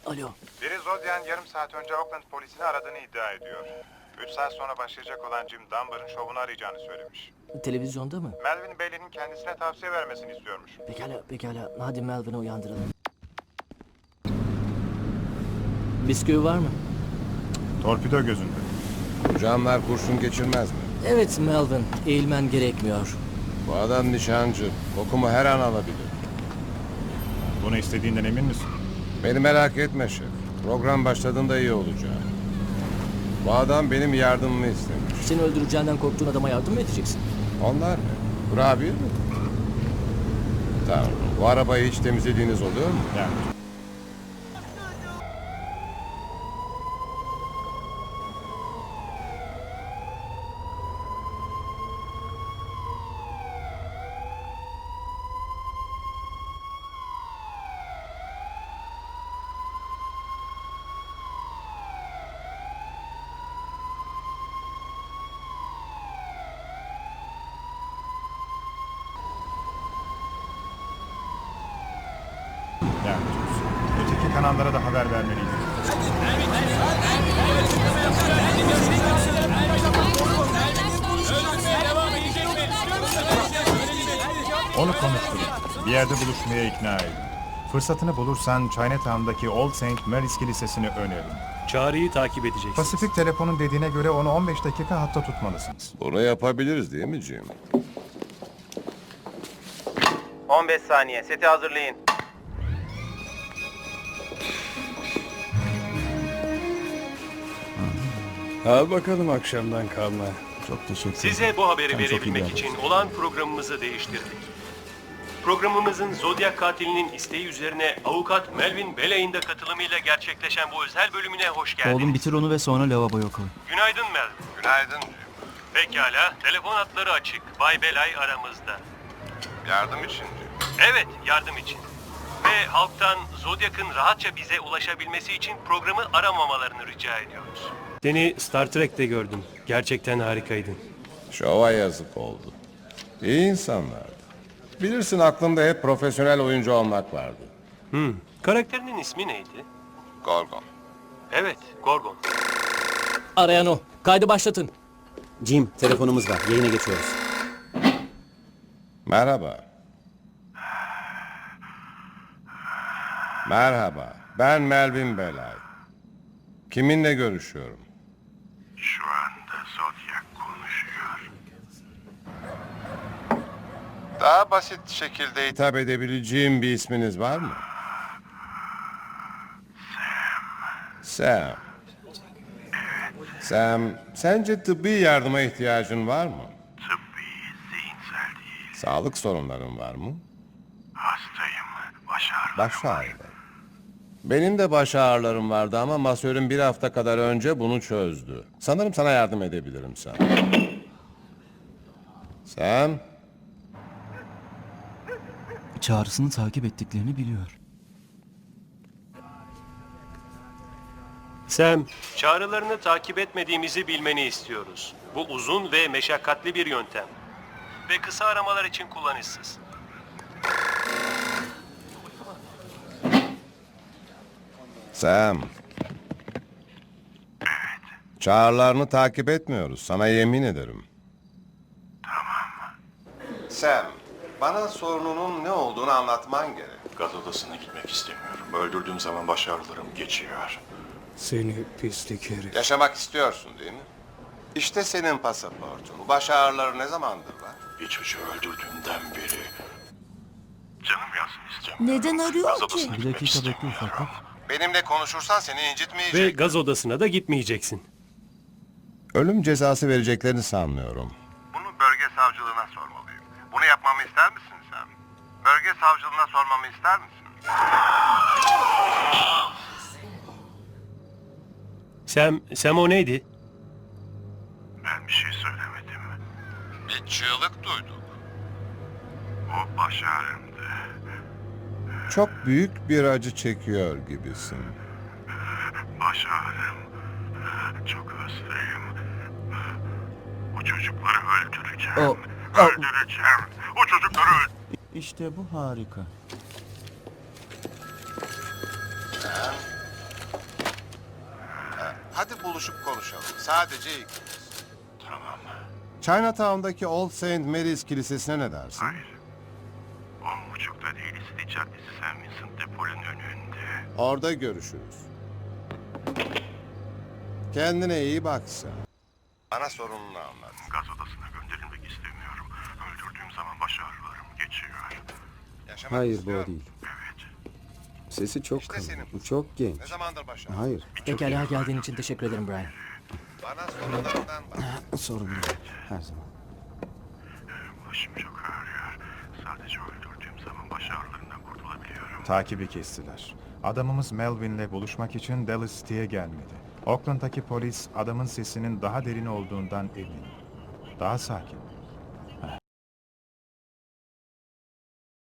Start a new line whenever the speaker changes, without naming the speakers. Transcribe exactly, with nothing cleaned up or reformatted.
Alo.
Biri Zodiac'ın yarım saat önce Oakland polisini aradığını iddia ediyor. Üç saat sonra başlayacak olan Jim Dunbar'ın şovunu arayacağını söylemiş.
Televizyonda mı?
Melvin Bailey'nin kendisine tavsiye vermesini istiyormuş.
Pekala, pekala. Hadi Melvin'i uyandıralım. Bisküvi var mı?
Torpido gözünde.
Camlar kurşun geçirmez mi?
Evet Melvin, eğilmen gerekmiyor.
Bu adam nişancı. Kokumu her an alabilir.
Bunu istediğinden emin misin?
Beni merak etme şef. Program başladığında iyi olacak. Bu adam benim yardımımı istemiş.
Seni öldüreceğinden korktuğun adama yardım mı edeceksin?
Onlar ne? Kurabiye mi? Tanrım, bu arabayı hiç temizlediğiniz oluyor mu?
Yani. Yani. Öteki kanallara da haber vermeliydik. Onu konuşturun. Bir yerde buluşmaya ikna edin. Fırsatını bulursan Chinatown'daki Old Saint Mary's Kilisesi'ni önerin.
Çağrıyı takip edeceksiniz.
Pasifik Telefon'un dediğine göre onu on beş dakika hatta tutmalısınız.
Bunu yapabiliriz değil mi Jim?
on beş saniye. Seti hazırlayın.
Al bakalım akşamdan kalma.
Çok teşekkür ederim.
Size bu haberi
Sen çok iyi
verebilmek
bir
için
adamsın.
olan programımızı değiştirdik. Programımızın Zodiac katilinin isteği üzerine avukat Melvin Bailey'in de katılımıyla gerçekleşen bu özel bölümüne hoş geldiniz.
Oğlum bitir onu ve sonra lavaboya koy.
Günaydın Melvin.
Günaydın Jim.
Pekala, telefon hatları açık. Bay Belay aramızda.
Yardım için Jim.
Evet, yardım için. Ve halktan Zodiac'ın rahatça bize ulaşabilmesi için programı aramamalarını rica ediyoruz. Seni Star Trek'te gördüm. Gerçekten harikaydın.
Şova yazık oldu. İyi insanlardı. Bilirsin aklımda hep profesyonel oyuncu olmak vardı.
Hmm. Karakterinin ismi neydi?
Gorgon.
Evet, Gorgon.
Arayan o. Kaydı başlatın.
Jim, telefonumuz var. Yayına geçiyoruz.
Merhaba. Merhaba. Ben Melvin Belay. Kiminle görüşüyorum?
Şu anda Zodiac konuşuyor.
Daha basit şekilde hitap edebileceğim bir isminiz var mı? Sam. Sam. Sam, sence tıbbi yardıma ihtiyacın var mı?
Tıbbi, zihinsel değil.
Sağlık sorunların var mı?
Hastayım. Baş ağrılarım.
Baş ağrıları. Benim de baş ağrılarım vardı ama masörüm bir hafta kadar önce bunu çözdü. Sanırım sana yardım edebilirim Sam. Sam.
Çağrısını takip ettiklerini biliyor.
Sam, çağrılarını takip etmediğimizi bilmeni istiyoruz. Bu uzun ve meşakkatli bir yöntem. Ve kısa aramalar için kullanışsız.
Sam. Çağrılarını takip etmiyoruz. Sana yemin ederim. Tamam. Sam, bana sorununun ne olduğunu anlatman gerek.
Gaz odasına gitmek istemiyorum. Öldürdüğüm zaman baş ağrılarım geçiyor.
Seni pislik herif.
Yaşamak istiyorsun değil mi? İşte senin pasaportun. Baş ağrıları ne zamandır var?
Bir çocuğu öldürdüğümden beri canım yansın istemiyorum.
Neden arıyor
Gaz
ki?
odasına
Bir
gitmek
dakika bekle
istemiyorum.
ufaklık.
Benimle konuşursan seni
Ve
incitmeyecek.
gaz odasına da gitmeyeceksin.
Ölüm cezası vereceklerini sanmıyorum.
Bunu bölge savcılığına sormalıyım. Bunu yapmamı ister misin sen? Bölge savcılığına sormamı ister misin?
Sam, Sam o neydi?
Ben bir şey söylemedim.
Bir çığlık duyduk.
O baş ağrımdı.
Çok büyük bir acı çekiyor gibisin.
Baş ağrım. Çok hastayım. O çocukları öldüreceğim.
O-
Öldüreceğim. O çocukları öldüreceğim.
İşte bu harika.
buluşup konuşalım. Sadece ikimiz.
Tamam.
Chinatown'daki Old Saint Mary's Kilisesi'ne ne dersin?
Hayır. On buçukta değil, City Caddesi Saint Vincent Depol'ün önünde.
Orada görüşürüz. Kendine iyi bak sen. Bana sorununu anlat.
Gaz odasına gönderilmek istemiyorum. Öldürdüğüm zaman baş ağrılarım geçiyor.
Yaşamak
Hayır bu
istiyor
o değil.
Evet.
Sesi çok
İşte
kalın.
senin.
Bu çok genç.
Ne zamandır başa?
Hayır.
Pekala geldiğin için teşekkür ederim Brian.
Bana sorunlarından bak.
Sorun değil. Her zaman.
Başım çok ağrıyor. Sadece öldürdüğüm zaman baş ağrılarından kurtulabiliyorum.
Takibi kestiler. Adamımız Melvin'le buluşmak için Dallas City'ye gelmedi. Oakland'daki polis adamın sesinin daha derin olduğundan emin. Daha sakin.